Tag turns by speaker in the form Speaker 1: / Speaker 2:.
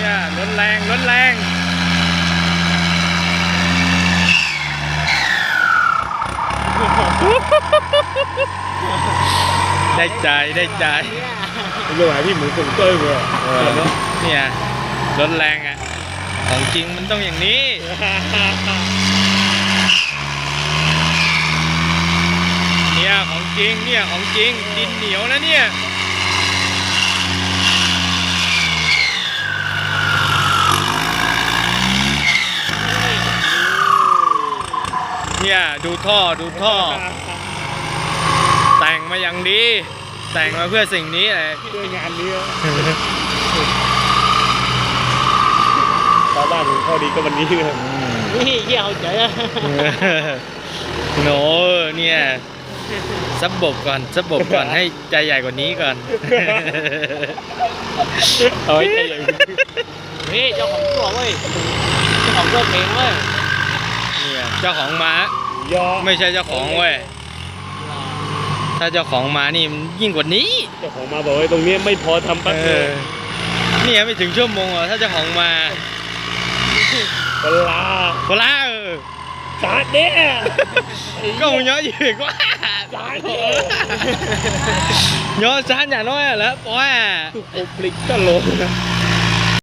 Speaker 1: เนี่ยรถแรงรถแรงได้ใจได้ใจ
Speaker 2: เรื่องอะไรพี่หมูกงเต้ยเลย
Speaker 1: เนี่ยรถแรงอ่ะของจริงมันต้องอย่างนี้เนี่ยของจริงเนี่ยของจริงดินเหนียวนะเนี่ยดูท่อดูท่อแต่งมาอย่างดีแต่งมาเพื่อสิ่งนี้เลย
Speaker 2: ด้วยงานนี้ชาวบ้านของข้อดีก็วันนี้เลยนี่เยี่ยวเจ๋อ
Speaker 1: โหเนี่ยซับบก่อนซับบก่อนให้ใจใหญ่กว่านี้ก่อน
Speaker 2: เอาไว้ใจใหญ่นี่เจ้าของตัวเว้ยเจ้าของตัวเพลงเว้ย
Speaker 1: เนี่ยเจ้าของม้าไม่ใช่เจ้าของเว้ยถ้าเจ้าของมานี่มันยิ่งกว่านี้
Speaker 2: เจ้าของมาบอกว่าตรงนี้ไม่พอทำปั๊บเลย
Speaker 1: เนี่ยไม่ถึงชั่วโมงถ้าเจ้าของมา
Speaker 2: เวลาสาดเนี่ย
Speaker 1: ก็มึงย้อนอยู่กว่า
Speaker 2: สาดเนี่ย
Speaker 1: ย้อนสาดอย่างน้อยแล้วป้า
Speaker 2: ตุกปลิกตลก